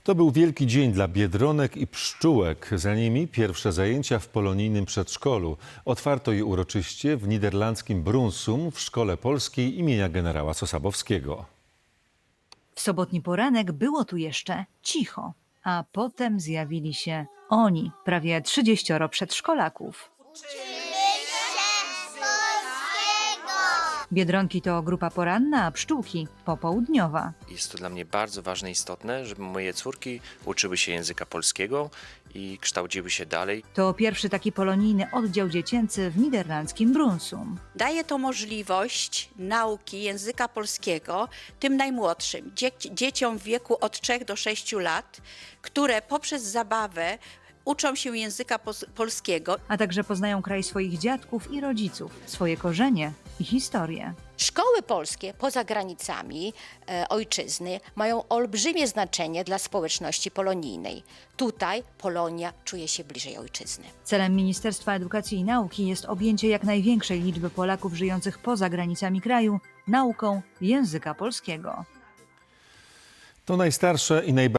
To był wielki dzień dla biedronek i pszczółek. Za nimi pierwsze zajęcia w polonijnym przedszkolu. Otwarto je uroczyście w niderlandzkim Brunsum w Szkole Polskiej imienia generała Sosabowskiego. W sobotni poranek było tu jeszcze cicho, a potem zjawili się oni, prawie 30 przedszkolaków. Biedronki to grupa poranna, a pszczółki popołudniowa. Jest to dla mnie bardzo ważne i istotne, żeby moje córki uczyły się języka polskiego i kształciły się dalej. To pierwszy taki polonijny oddział dziecięcy w niderlandzkim Brunsum. Daje to możliwość nauki języka polskiego tym najmłodszym, dzieciom w wieku od 3 do 6 lat, które poprzez zabawę uczą się języka polskiego. A także poznają kraj swoich dziadków i rodziców, swoje korzenie i historię. Szkoły polskie poza granicami ojczyzny mają olbrzymie znaczenie dla społeczności polonijnej. Tutaj Polonia czuje się bliżej ojczyzny. Celem Ministerstwa Edukacji i Nauki jest objęcie jak największej liczby Polaków żyjących poza granicami kraju nauką języka polskiego. To najstarsze i najbardziej